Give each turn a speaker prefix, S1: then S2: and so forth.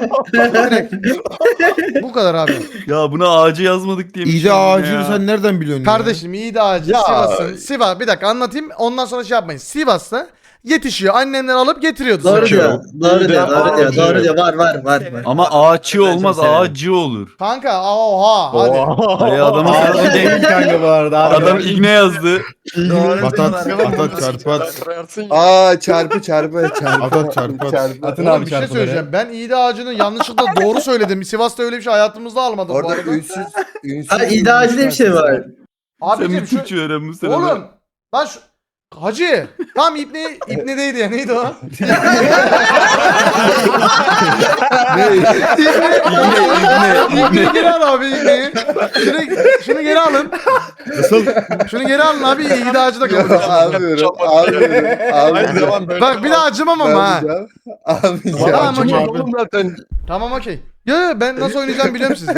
S1: Direkt. Bu kadar abi.
S2: Ya buna ağacı yazmadık diye.
S3: İyi de ağacını sen nereden biliyorsun
S1: Kardeşim iyi de ağacı
S4: Ya.
S1: Sivas'ın. Sivas bir dakika anlatayım ondan sonra şey yapmayın. Sivas'ta yetişiyor. Annemler alıp getiriyordu.
S5: Doğru
S1: sana.
S5: diyor. Doğru diyor. Doğru diyor.
S4: Ağacı.
S5: Doğru diyor. Var.
S2: Ama ağaççı
S5: Ben çok
S2: olmaz,
S5: severim.
S2: ağacı olur.
S1: Kanka oha hadi.
S2: Ay adamın
S4: Ağacı değil kanka bu arada.
S2: adam iğne yazdı.
S5: Doğru
S3: Atat,
S5: diyorlar.
S3: atat, çarpat.
S4: Aa çarpı.
S3: Atat, çarpat.
S4: Atın
S1: Oğlum
S4: abi
S1: bir şey
S4: çarpıları.
S1: söyleyeceğim. Ben İğde Ağacı'nın yanlışlıkla doğru söyledim. Sivas'ta öyle bir şey hayatımızda almadım bu
S4: Orada
S1: arada.
S4: ünsüz.
S5: Ha iddiacı diye bir şey var.
S2: Sen
S1: Abicim
S2: bir
S1: şu...
S2: Türkçe öğren bu sene.
S1: Oğlum. Lan şu... Hacı. Tam İbne'deydi ya. Neydi o? İbne'yi geri al abi İbne'yi. Şunu geri alın.
S3: Nasıl?
S1: Şunu geri alın abi. İğde Ağacı da kabul etsin.
S4: Almıyorum.
S6: Aynı zaman böyle.
S1: Bak bir daha acımam ama ha.
S4: Almayacağım.
S1: Tamam okey.
S6: Oğlum zaten
S1: Tamam okey. Ya ben nasıl oynayacağımı biliyorum siz.